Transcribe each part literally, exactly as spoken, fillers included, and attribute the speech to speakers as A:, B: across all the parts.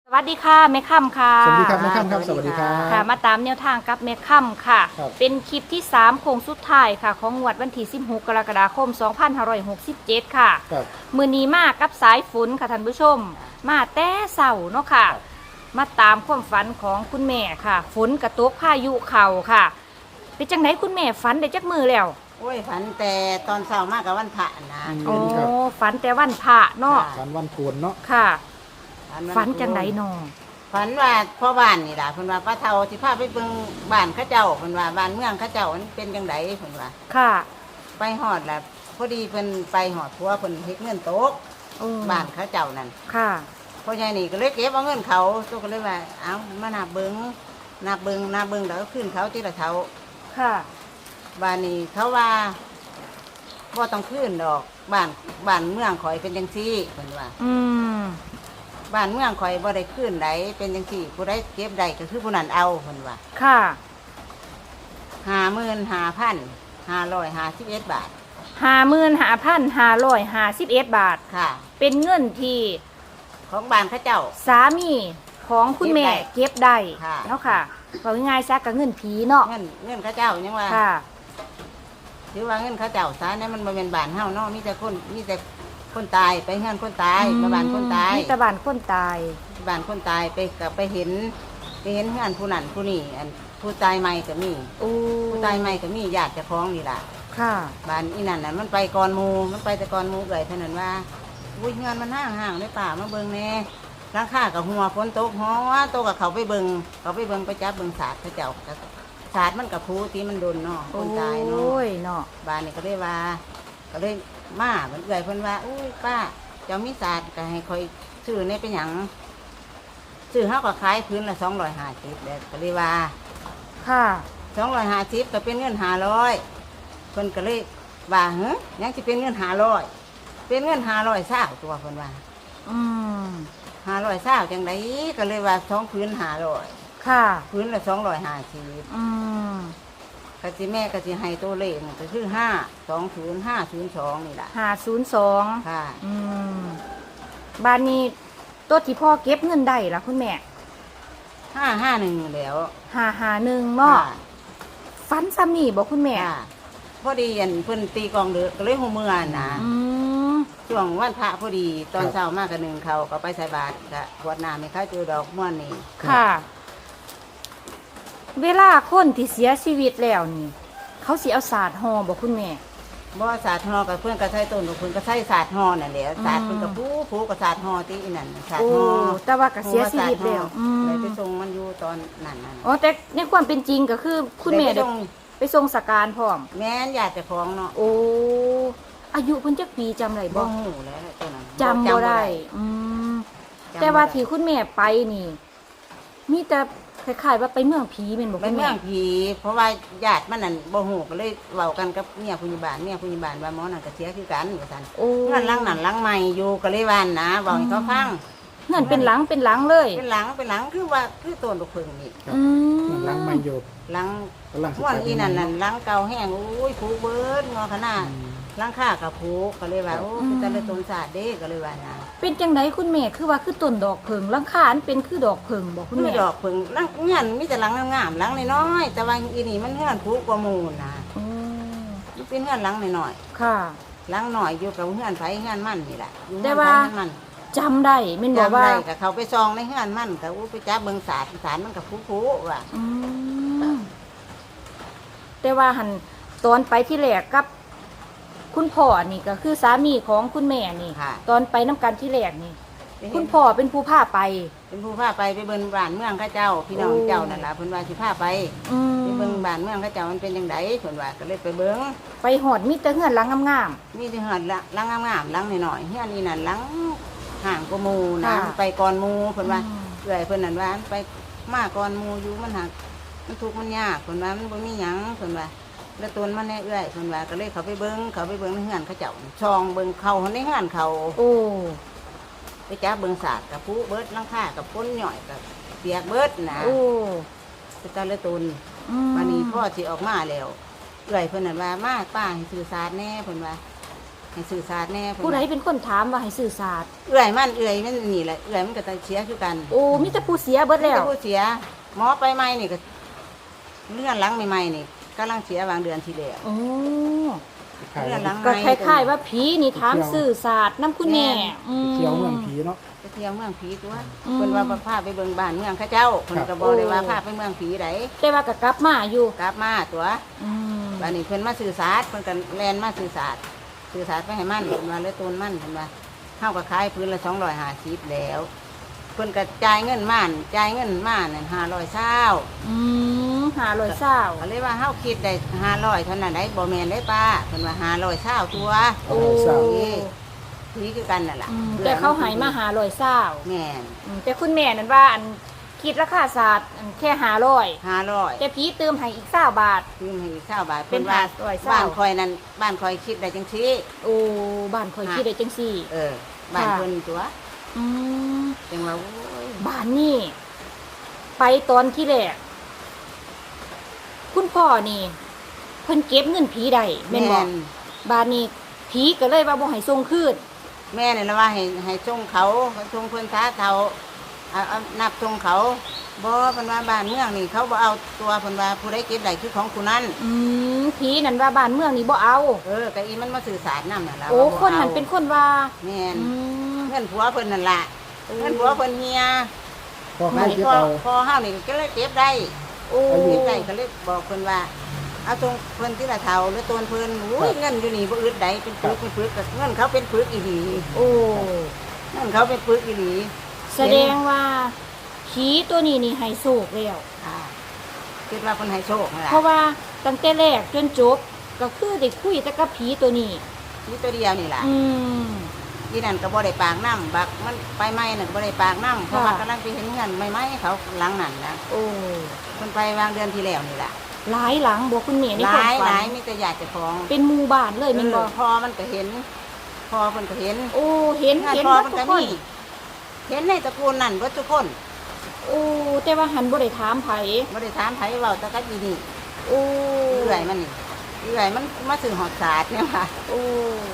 A: สวัสดีค่ะแม่ค่ำค่ะ
B: สวัสดีครับแม่ค่ำครับสวัสดีครับ
A: ค่ะมาตามแนวทางกับแม่ค่ำค่ะ
B: ครับ
A: เป็นคลิปที่สามโค้งสุดท้ายค่ะ ของงวดวันที่สิบหกกรกฎาคมสองพันห้าร้อยหกสิบเจ็ดค่ะ
B: ครับ
A: มือนี้มากับสายฝนค่ะท่านผู้ชม มาแต่เสาเนาะค่ะ มาตามความฝันของคุณแม่ค่ะ ฝนกระตกพายุเข่าค่ะ เป็นจังไหนคุณแม่ฝันได้จักมือแล้ว
C: โอ้ยฝันแต่ตอนเช้ามากกับวันพระนะ
A: โอ้
B: ครับ
A: ฝันแต่วันพระเนาะ
B: ฝันวันโกนเนาะ
A: ค่ะ
C: วั
A: ฝันจังไหนเนาะ
C: ฝันว่าพ่อบ้านนี่ล่ะเพิ่นว่าป้าเฒ่าสิพาไปเบิ่งบ้านเขาเจ้าเพิ่นว่าบ้านเมืองเขาเจ้ามันเป็นจังไดเพิ่นว่า
A: ค่ะ
C: ไปฮอดแล้วพอดีเพิ่นไปฮอดผัวเพิ่นเฮ็ดเงินตก
A: โอ้
C: บ้านเขาเจ้านั่น
A: ค่ะ
C: พ่อใหญ่นี่ก็เลยเก็บเอาเงินเขาตัวก็เลยว่าเอ้ามานับเบิ่งนับเบิ่งนับเบิ่งแล้วก็ขึ้นเขาทีละเท่า
A: ค่ะ
C: บ้านนี้เขาว่าบ่ต้องขึ้นดอกบ้านบ้านเมืองข่อยเป็นจังซี่เพิ่นว่า
A: อืม
C: บ้านเมืองข่อยบ่ได้ขึ้นใดเป็นจังซี่ผู้ใดเก็บได้ก็คือผู้นั้นเอาเพิ่นว่า
A: ค่ะ
C: ห้าหมื่นห้าพันห้าร้อยห้าสิบเอ็ดบาท
A: ห้าหมื่นห้าพันห้าร้อยห้าสิบเอ็ดบาท
C: ค่ะ
A: เป็นเงินที่
C: ของบ้านเขาเจ้า
A: สามีของคุณแม่เก็บได้
C: ค่ะ
A: เนาะค่ะบอกง่ายๆซะกับเงินผีเนาะ
C: เงินเงินเขาเจ้ายังว่า
A: ค่ะ
C: ถือว่าเงินเขาเจ้าซะเนี่ยมันบ่เป็นบ้านเฮาเนาะมีแต่คนมีแต่คนตายไปเฮือนคนตายมาบ้านคนตาย
A: มีแตะบานคนตาย
C: บ้านคนตายไปกับไปเห็นไปเห็นเฮือนผู้นั้นผู้นี้อันผู้ตายใหม่ก็มี
A: โอ้
C: ผู้ตายใหม่ก็มีญาติเจ้าของนี่ล่ะ
A: ค่ะ
C: บ้านอีนั่นน่ะมันไปก่อนหมู่มันไปแต่ก่อนหมู่เอ่ยเท่านั้นว่าอุ้ยเงินมันห่างห่างๆในป่ามาเบิ่งแน่ราคากับหัวฝนตกหัวโตกับเขาไปเบิ่งเขาไปเบิ่งไปจับเบิ่งศาสตร์เขาเจ้าก็ศาสตร์มันกับผู้ที่มันโดนเนาะคนตายเนาะ
A: โอ้ยเนาะ
C: บ้านนี่ก็เลยว่า ก็เลยมาเหมือนเอ่ยเพิ่นว่าอุ้ยป้าเจ้ามีศาสตร์ก็ให้คอยซื้อเนี่ยเป็นหยังซื้อเฮาก็ขายพื้นละสองร้อยห้าสิบเด้ก็เลยว่า
A: ค่ะ
C: สองร้อยห้าสิบก็เป็นเงินห้าร้อยเพิ่นก็เลยว่าเฮ้ยยังสิเป็นเงินห้าร้อยเป็นเงินห้าร้อยเศร้าตัวเพิ่นว่า
A: อืม
C: ห้าร้อยเศร้าจังไดก็เลยว่าสองพื้นห้าร้อย
A: ค่ะ
C: พื้นละสองร้อยห้าสิบ
A: อืม
C: กะสิแม่กะสิให้ตัวเลขก็คือห้าสองศูนย์ห้าศูนย์สองนี่แหละ
A: ห้าศูนย์สอง
C: ค่ะ
A: อืมบ้านนี้ตัวที่พ่อเก็บเงินได้ล่ะคุณแม่
C: ห้าห้าหนึ่งแล้ว
A: ห้าหาหนึ่งเนาะ
C: ค่ะ
A: ฟันซ้ำนี่บอกคุณแม่
C: ค่ะพอดีอันเพิ่นตีกลองเดือกก็เลยหัวเมื่อนะ
A: อืม
C: ช่วงวันพระพอดีตอนเช้ามากกันหนึ่งเขาก็ไปใส่บาตรกะขวดน้ำให้เขาเจอดอกม่วนนี่
A: ค่ะ เวลาคนที่เสียชีวิตแล้วนี่ เขาสิเอาศาสตร์ห่อบอกคุณแม่
C: บ่ศาสตร์ฮอกับเพื่อนก็ใช้ต้นเพื่อนก็ใช้ศาสตร์ฮอนั่นแหละศาสตร์เพื่อนกับผู้ผู้กับศาสตร์ฮอที่อีนั่นศาสต
A: โอ้
C: ร์ฮอ
A: แต่ว่าก็เสียชีวิตแล้วอืม
C: เลยไปส่งมันอยู่ตอนนั้นนั่น
A: อ๋อแต่ในความเป็นจริงก็คือคุณแม่
C: เลยไป
A: ได้
C: ส่ง
A: ไปทรงสการพร้อม
C: แม่นญาติเจ้าของเนาะ
A: โอ้ อายุเพิ่นจักปีจำได้
C: บ่
A: บ่
C: ฮู้แล้วตัวนั้น
A: จำบ่ได้ อืม
C: จำบ่ได้
A: แต่ว่าที่คุณแม่ไปนี่ มีแต่คล้ายๆว่าไปเมืองผีแม่นบ่
C: เป็
A: คุ
C: น
A: ณ
C: เมื
A: แม่
C: องผีเพราะว่าญาติมันนั่นบ่ฮู้ก็เลยเว้ากันกับเมียผู้ใหญ่บ้านเมียผู้ใหญ่บ้านว่าหมอนั่นก็เสียคือกันว่าซั่น
A: โอ้
C: เงินหลังนั่นหลังใหม่อยู่ก็เลยว่านะเว้าให้เขาฟัง
A: เงินเป็นหลังเป็นหลังเลย
C: เป็นหลังเป็นหลังคือว่าคือต้นลูกเพิ่งนี่
A: อืม
B: หลังไม่โยบ
C: หลัง
B: กำลัง
C: ม่วนอีนั่นนั่นหลังเก่าแห้งอุ้ยผูเบิดงอขนาดหลังค่ากับผูก็เลยว่าโอ้คือแต่ละต้นศาสตร์เด้ก็เลยว่านะ
A: เป็นจังไดคุณแม่คือว่าคือต้นดอกเพิงหลังคาอันเป็นคือดอกเพิงบ่คุณ
C: มี
A: แม่
C: ดอกเพิ่งหลังเงื่อนมีแต่หลังงามๆหลังน้อยๆแต่ว่าอีนี่มันเงื่อนผูกว่าหมู่นะ
A: อืม
C: มันเป็นเงื่อนหลังน้อย
A: ค่ะ
C: ๆหลังหน่อยอยู่กับเงื่อนไผเงื่อนมันนี่แหละอยู่
A: แต่
C: เงื่อน
A: ว่า
C: ไผเงื่อนมัน
A: จำได้แม่นบ่
C: จำ
A: ว่า
C: ได้กับเขาไปซองในเงื่อนมันกับอู้ไปจับเบิ่งศาสตร์ศาสตร์มันกับผูๆว่ะ
A: อืมแต่ว่าหันตอนไปที่แรกกับ คุณพ่อนี่ก็คือสามีของคุณแม่นี่
C: ค่ะ
A: ตอนไปน้ำกันที่แรกนี่
C: ไปเห็น
A: คุณพ่อเป็นผู้พาไป
C: เป็นผู้พาไปไปเบิ่งบ้านเมืองเข้าเจ้า พี่น้อง
A: โอ้
C: เจ้านั่นล่ะเพิ่นว่าสิพาไป
A: อืม
C: ไปเบิ่งบ้านเมืองเข้าเจ้ามันเป็นจังไดเพิ่นว่าก็เลยไปเบิ่ง
A: ไปหอดมีแต่เฮือนหลังงาม
C: มีแต่เฮือนละหลังงามๆหลังน้อยๆเฮือนนี่นั่นหลังห่างกว่าหมู่นะ
A: ค่ะ
C: ไปก่อนหมู่เพิ่นว่า
A: อืม
C: เอื้อยเพิ่นนั่นว่าไปมาก่อนหมู่อยู่มันหักมันทุกข์มันยากเพิ่นว่ามันบ่มีหยังเพิ่นว่าแล้วตนมันแน่เอื้อยเพิ่นว่าก็เลยเขาไปเบิ่งเขาไปเบิ่งในเฮือนเขาเจ้าช่องเบิ่งเขาในเฮือนเขา
A: ๆโอ้
C: ไปจับเบิ่งศาสตร์กับผู้เบิดหลังคากับพ้นหน่อยกับเปียกเบิดนะ
A: โอ้
C: ไปตะละตุน
A: อืม
C: วันนี้พ่อสิออกมาแล้วเอื้อยเพิ่นนั่นว่ามาป้าให้สื่อสารแน่เพิ่นว่าให้สื่อสารแน่เพิ่น
A: ผู้ใดเป็นคนถามว่าให้สื่อสาร
C: เอื่อยมันเอื่อยมันนี่แหละเอื่อยมันก็ตะเสียคือกัน
A: โอ้มีแต่ผู้เสียเบิดแล้ว
C: ผู้เสียหมอไปใหม่นี่ก็เลื่อนหลังใหม่ๆนี่กำลังเสียวางเดือนที่แล้ว
A: โอ้
B: ขาย
C: เรื่องหลัง
A: ก็คล้ายๆว่าผีนี่ถามสื่อสารน้ำคุณแม่อืม
B: เที่ยวเมืองผีเนาะ
C: ไปเที่ยวเมืองผีตัว
A: อืม
C: เพิ่นว่าพาไปเบิ่งบ้านเมืองเขาเจ้าเพิ่น
B: ครั
C: ก็
B: บ
C: บอกเลยว่า
A: โอ้
C: พาไปเมืองผีได
A: แต่ว่าก็กลับมาอยู่
C: กลับมาตัว
A: อืม
C: บัดนี้เพิ่นมาสื่อสารเพิ่นก็แล่นมาสื่อสารสื่อสารไปให้มันเพิ่นว่าเลยตูนมันเพิ่นว่าเฮาก็ขายพื้นละสองร้อยห้าสิบแล้วเพิ่นก็จ่ายเงินม่านจ่ายเงินม่านนั่นห้าร้อยเช้า
A: อืมหาลอยเศร้า
C: ก็เลยว่าเฮาคิดได้ห้าร้อยเท่านั้นได้บ่แม่นได้ป้าเพิ่นว่าห้าร้อยเช้าตัว
A: โอ้
C: ผีคือกันนั่นล่ะ
A: อืมแต่เขาใหายมาหาลอยเศร้า
C: แม่น
A: อืมแต่คุณแม่นั่นว่าอันคิดราคาศาสตร์อันแค่หาลอย
C: ห้าร้อย
A: แต่ผีเติมให้อีกเศร้าบาท
C: ยืมให้อีกเช้าบาท
A: เป็น
C: ว่า
A: ห้าร้อยเช้า
C: บ้านคอยนั้นบ้านคอยคิดได้จังซี่
A: โอ้บ้านคอยคิดได้จังสี่
C: เออบ้าน
A: ค่ะ
C: เพิ่นตัว
A: อืม
C: จังว่าโอ้ย
A: บ้านนี่ไปตอนที่แรกคุณพ่อนี่เพิ่นเก็บเงินผีได้แม่นบอกบ้านนี้ผีก็เลยว่าบ่ให้ส่งคืน
C: แม่นี่ละว่าให้ให้ส่งเขาส่งเพิ่นท้าเขาเอาเอานับส่งเขาบ่เพิ่นว่าบ้านเมืองนี่เขาบ่เอาตัวเพิ่นว่าผู้ใดเก็บได้คือของผู้นั้น
A: อืมผีนั่นว่าบ้านเมืองนี่บ่เอา
C: เออก็อีมันมาสื่อสารนำนั่นล่ะ
A: โอ้
C: ว่าบ่
A: คนนั้น
C: อา
A: เป็นคนว่า
C: แม่น
A: อืม
C: เงินผัวเพิ่นนั่นล่ะเงินผัวเพิ่นเฮีย
B: พอ
C: มั
B: เขา
C: น
B: เก็บ
C: พอ
B: เอา
C: พอเฮานี่ก็เลยเก็บได้
A: โอ้
C: เก็บได้ก็เลยบอกเพิ่นว่าเอาตรงเพิ่นที่ละเท่าหรือตนเพิ่นโอ้ยเงินอยู่นี่บ่อึดใดเป็นปึกเป็นปึกก็เงินเขาเป็นปึกอีหลี
A: โอ้
C: เงินเขาเป็นปึกอีหลี
A: แสดงว่าผีตัวนี้นี่ให้โศกแล้ว
C: อ่าคิดว่าเพิ่นให้โชคนั่นล่ะ
A: เพราะว่าตั้งแต่แรกจนจบก็คือได้คุยแต่กับผีตัวนี้
C: มีตัวเดียวนี่ล่ะ
A: อืม
C: อีนั่นก็บ่ได้ปากน้ำบักมันไปไหม้นั่นก็บ่ได้ปากน้ำเพราะว่ากำลังไปเห็นเงินใหม่ๆเขาหลังนั่นนะ
A: โอ้
C: เพิ่นไปวางเดือนที่แล้วนี่ล่ะ
A: หลายหลังบอกคุณแม่ใน
C: ห
A: ความ
C: ลายห
A: ฝั
C: ลาย
A: น
C: มีแต่ญาติเจ้าของ
A: เป็นหมู่บ้านเลยแม่นบ่
C: เออพอมันก็เห็น พอเพิ่นก็เห็น
A: โอ้เห็น
C: งาน
A: เห็น
C: พอ
A: หมด
C: มัน
A: ทุ
C: ก็
A: กคน
C: มีเห็นในตระกูลนั่นเบิดทุกคน
A: โอ้แต่ว่าหันบ่ได้ถามไผ
C: บ่ได้ถามไผเว้าแต่ก็อีนี่
A: โอ้
C: เอื่อยมันนี่เอื่อยมันมาซื้อหอดสาดเนี่ยค่ะ
A: โอ้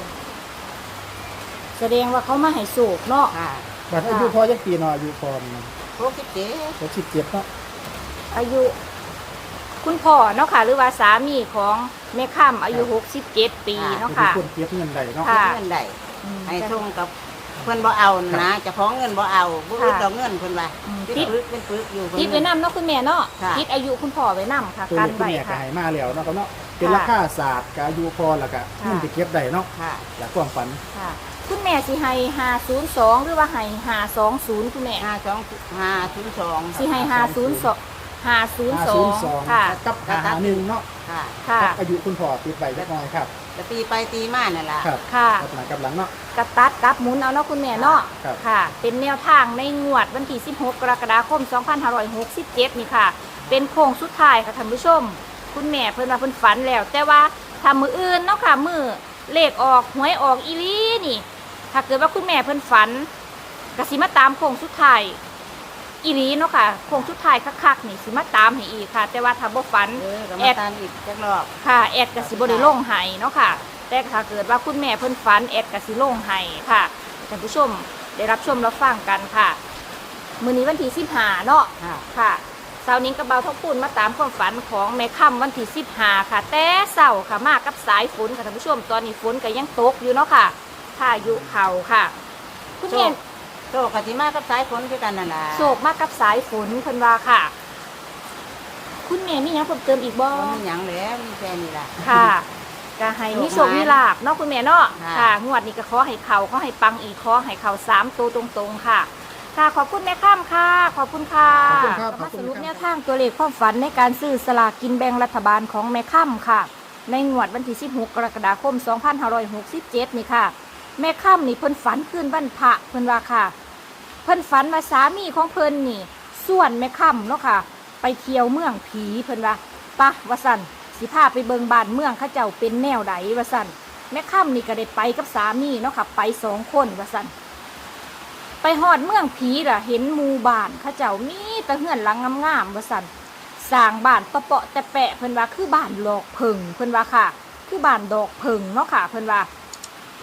A: แสดงว่าเขามาให้โศกเนาะ
C: ค่ะ
B: บัดอายุพอจักปีเนาะอายุพอมัน
C: หกสิบเจ็ด
B: หกสิบเจ็ดเนาะ
A: อายุ คุณพ่อเนาะค่ะ หรือว่าสามีของแม่ค่ำอายุหกสิบเจ็ดปีเนาะค่ะ
B: เป็นคนเก็บเงินได้เนาะ
A: ค่ะ
C: เงินได้
A: อืม
C: ให้ส่งกับเพิ่นบ่เอานะเจะพ้าของเงินบ่เอาบ่อึด
A: ค่ะ
C: ดอกเงินเพิ่นว่า
A: อืม
C: เป็น
A: ติด
C: ปึกเป็นปึกอยู่เพิ่น
A: คิดไว้นำเนาะคุณแม่เนาะ
C: ค่ะ
A: คิดอายุคุณพ่อไว้นำค่ะ
B: ตัว
A: กัน
B: นี้คุณ
A: ไว้
B: แม่ก็
A: ค่ะ
B: ให้มาแล้วเนาะครับเนาะเป็น
A: ค่ะ
B: ราคาศาสตร์กับอายุพอแล้วก็
A: ค่ะ
B: เงินที่เก็บได้เนาะ
C: ค่ะ
B: อยากความฝัน
A: ค่ะ คุณแม่สิให้ห้าศูนย์สองหรือว่าให้ห้าสองศูนย์คุณแม่
C: ห้าสองห้าศูนย์สอง
A: สิให้ห้าศูนย์สองห้าศูนย์
B: ห้า
A: สอ
B: ศูน
A: ง
B: ย์สอง
A: ค่ะ
B: กับหาหนึ่งเนาะ
C: ค่ะ
A: ค่ะ
B: กับอายุคุณพ่อติดไปจักหน่อยครับ
C: แต่ตีไปตีมานั่นล่ะ
B: ครับ
A: ค่ะ
B: กับหลังกับหลังเนาะ
A: กระตัดกับหมุนเอาเนาะคุณแม่เนาะ
B: ครับ
A: ค่ะ เป็นแนวทางในงวดวันที่สิบหกกรกฎาคมสองพันห้าร้อยหกสิบเจ็ดนี่ค่ะ เป็นโค้งสุดท้ายค่ะท่านผู้ชม คุณแม่เพิ่นว่าเพิ่นฝันแล้ว แต่ว่าถ้ามืออื่นเนาะค่ะมือเลขออกหวยออกอีหลีนี่ ถ้าเกิดว่าคุณแม่เพิ่นฝันก็สิมาตามโค้งสุดท้ายอีหลีเนาะค่ะโค้งสุดท้ายคักๆนี่สิมาตามให้อีกค่ะ แต่ว่าถ้าบ่ฝัน
C: เออก็
A: แอ
C: มา
A: ด
C: ตามอีกจักรอบ
A: ค่ะแอดกสิบได้ลงไห้เนาะค่ะ แต่ถ้าเกิดว่าคุณแม่เพิ่นฝันแอดกสิลงไห้ค่ะท่านผู้ชมได้รับชมรับฟังกันค่ะ มื้อนี้วันที่สิบห้าเนาะ
C: ค่ะ
A: ค่ะเสาร์นี้กระเบาทองปูนมาตามความฝันของแม่ค่ำวันที่สิบห้าค่ะ แต่เสาร์ค่ะมากับสายฝนค่ะท่านผู้ชม ตอนนี้ฝนก็ยังตกอยู่เนาะค่ะพายุเข่าค่ะ คุณแม่
C: โตกะสิมากับสายฝนคือกันนั่นล่ะ
A: โศกมากับสายฝนเพิ่นว่าค่ะ คุณแม่มีหยังเพิ่มเติมอีกบ่
C: บ่มีหยังแล้วมีแค่นี้ล่ะ
A: ค่ะก็ให้มีโชคมีลาบเนาะคุณแม่เนาะ
C: ค่ะ
A: ค่ะงวดนี้ก็ขอให้เขาขอให้ปังอีกขอให้เขาสามตัวตรงๆค่ะ ค่ะขอบคุณแม่ข้ามค่ะ ขอบคุณค่ะ
B: ขอบคุณครับ
A: ก็มาสรุป
B: ขอบคุณครับ
A: แนวทางตัวเลขความฝันในการซื้อสลากกินแบ่งรัฐบาลของแม่ข้ามค่ะ ในงวดวันที่สิบหกกรกฎาคมสองพันห้าร้อยหกสิบเจ็ดนี่ค่ะ แม่ข้ามนี่เพิ่นฝันคืนวันพระเพิ่นว่าค่ะ เพิ่นฝันว่าสามีของเพิ่นนี่ส่วนแม่ค่ำเนาะค่ะ ไปเที่ยวเมืองผีเพิ่นว่าปะว่าสั่นสิพาไปเบิงบ้านเมืองเขาเจ้าเป็นแนวใดว่าสั่นแม่ค่ำนี่ก็ได้ไปกับสามีเนาะค่ะ ไปสองคนว่าสั่นไปฮอดเมืองผีล่ะเห็นหมู่บ้านเขาเจ้ามีแต่เฮือนหลังงามๆว่าสั่นสร้างบ้านเปาะๆแต่แปะเพิ่นว่าคือบ้านดอกเพิงเพิ่นว่าค่ะ คือบ้านดอกเพิงเนาะค่ะ เพิ่นว่า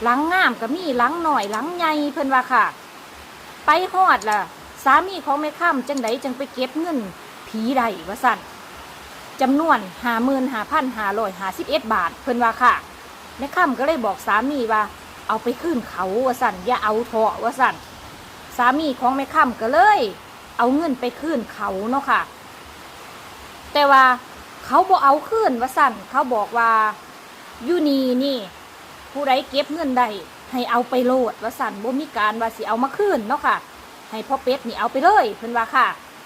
A: หลังงามก็มีหลังหน่อยหลังใหญ่เพิ่นว่าค่ะไปฮอดล่ะสามีของแม่ค่ำจังไดจังไปเก็บเงินผีใดว่าสั่นจำนวนห้าหมื่นห้าพันห้าร้อยห้าสิบเอ็ดบาทเพิ่นว่าค่ะแม่ค่ำก็เลยบอกสามีว่าเอาไปขึ้นเขาว่าสั่นอย่าเอาเถาะว่าสั่นสามีของแม่ค่ำก็เลยเอาเงินไปขึ้นเขาเนาะค่ะแต่ว่าเขาบอกเอาขึ้นว่าสั่นเขาบอกว่าอยู่นี่นี่ผู้ใดเก็บเงินได้ให้เอาไปโลดว่าสั่นบ่มีการว่าสิเอามาขึ้นเนาะค่ะให้พ่อเป็ดนี่เอาไปเลยเพิ่นว่าค่ะ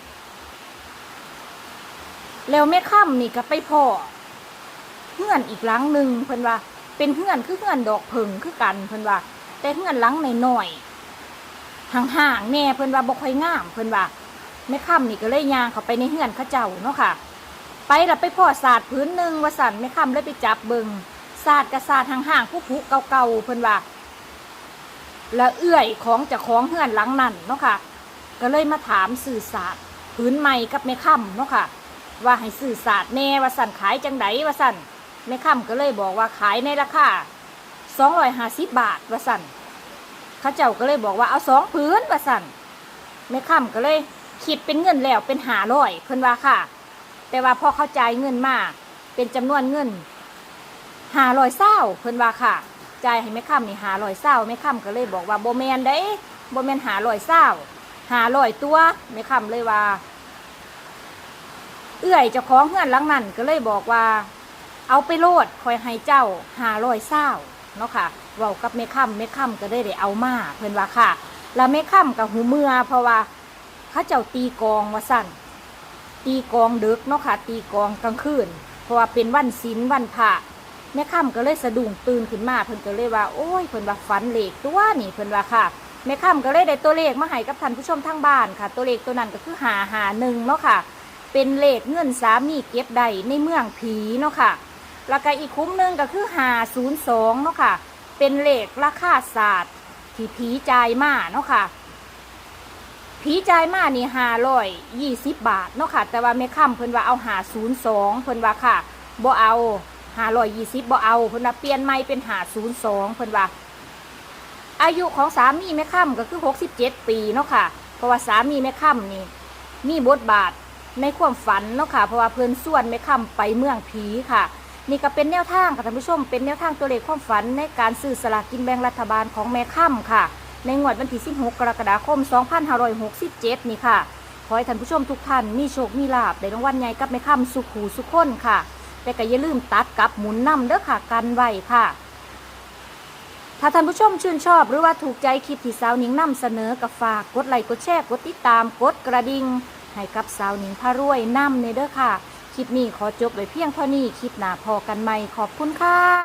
A: แล้วแม่ค่ำนี่ก็ไปพ่อเฮือนอีกหลังหนึ่งเพิ่นว่าเป็นเฮือนคือเฮือนดอกเพิงคือกันเพิ่นว่าแต่เฮือนหลังน้อยๆห่างๆแน่เพิ่นว่าบ่ค่อยงามเพิ่นว่าแม่ค่ำนี่ก็เลยย่างเข้าไปในเฮือนเขาเจ้าเนาะค่ะไปแล้วไปพ่อศาสตร์พื้นหนึ่งว่าสั่นแม่ค่ำเลยไปจับเบิ่งศาสตร์กับศาสตร์ห่างๆผู้ผู้เก่าๆเพิ่นว่าแล้วเอื้อยของเจ้าของเฮือนหลังนั้นเนาะค่ะก็เลยมาถามสื่อศาสตร์พื้นใหม่กับแม่ค่ำเนาะค่ะว่าให้สื่อศาสตร์แน่ว่าสั่นขายจังไดว่าสั่นแม่ค่ำก็เลยบอกว่าขายในราคาสองร้อยห้าสิบบาทว่าสั่นเขาเจ้าก็เลยบอกว่าเอาสองพื้นว่าสั่นแม่ค่ำก็เลยคิดเป็นเงินแล้วเป็นห้าร้อยเพิ่นว่าค่ะแต่ว่าพอเข้าใจเงินมาเป็นจำนวนเงินห้าร้อยเศร้าเพิ่นว่าค่ะจ่ายให้แม่ค่ำนี่ห้าร้อยเศร้าแม่ค่ำก็เลยบอกว่าโบแมนได้โบแมนห้าร้อยเศร้าห้าร้อยตัวแม่ค่ำเลยว่าเอื้อยเจ้าของเฮือนหลังนั้นก็เลยบอกว่าเอาไปโลดคอยให้เจ้าห้าร้อยเศร้าเนาะค่ะเว้ากับแม่ค่ำแม่ค่ำก็ได้ได้เอามาเพิ่นว่าค่ะแล้วแม่ค่ำกับหูเมื่อเพราะว่าเขาเจ้าตีกองว่าสั่นตีกองดึกเนาะค่ะตีกองกลางคืนเพราะว่าเป็นวันศีลวันพระแม่ค่ำก็เลยสะดุ้งตื่นขึ้นมาเพิ่นก็เลยว่าโอ้ยเพิ่นว่าฝันเลขตัวนี่เพิ่นว่าค่ะแม่ค่ำก็เลยได้ตัวเลขมาให้กับท่านผู้ชมทางบ้านค่ะตัวเลขตัวนั้นก็คือห้าห้าหนึ่งเนาะค่ะเป็นเลขเงินสามีเก็บได้ในเมืองผีเนาะค่ะแล้วก็อีกคุ้มหนึ่งก็คือห้าศูนย์สองเนาะค่ะเป็นเลขราคาศาสตร์ที่ผีจ่ายมาเนาะค่ะผีจ่ายมานี่ห้าร้อยยี่สิบบาทเนาะค่ะแต่ว่าแม่ค่ำเพิ่นว่าเอาห้าศูนย์สองเพิ่นว่าค่ะบ่เอาห้าร้อยยี่สิบบ่เอาเพิ่นว่าเปลี่ยนใหม่เป็นห้าศูนย์สองเพิ่นว่าอายุของสามีแม่ค่ำก็คือหกสิบเจ็ดปีเนาะค่ะเพราะว่าสามีแม่ค่ำนี่มีบทบาทในความฝันเนาะค่ะเพราะว่าเพิ่นส่วนแม่ค่ำไปเมืองผีค่ะนี่ก็เป็นแนวทางค่ะท่านผู้ชมเป็นแนวทางตัวเลขความฝันในการซื้อสลากกินแบ่งรัฐบาลของแม่ค่ำค่ะในงวดวันที่สิบหกกรกฎาคมสองพันห้าร้อยหกสิบเจ็ดนี่ค่ะขอให้ท่านผู้ชมทุกท่านมีโชคมีลาภได้รางวัลใหญ่กับแม่ค่ำสุขหูสุขคนค่ะแต่ก็อย่าลืมตัดกับหมุนนำเด้อค่ะกันไว้ค่ะถ้าท่านผู้ชมชื่นชอบหรือว่าถูกใจคลิปที่สาวหนิงนำเสนอกับฝากกดไลค์กดแชร์กดติดตามกดกระดิ่งให้กับสาวหนิงพารวยนำในเด้อค่ะคลิปนี้ขอจบไว้เพียงเท่านี้คลิปหน้าพอกันใหม่ขอบคุณค่ะ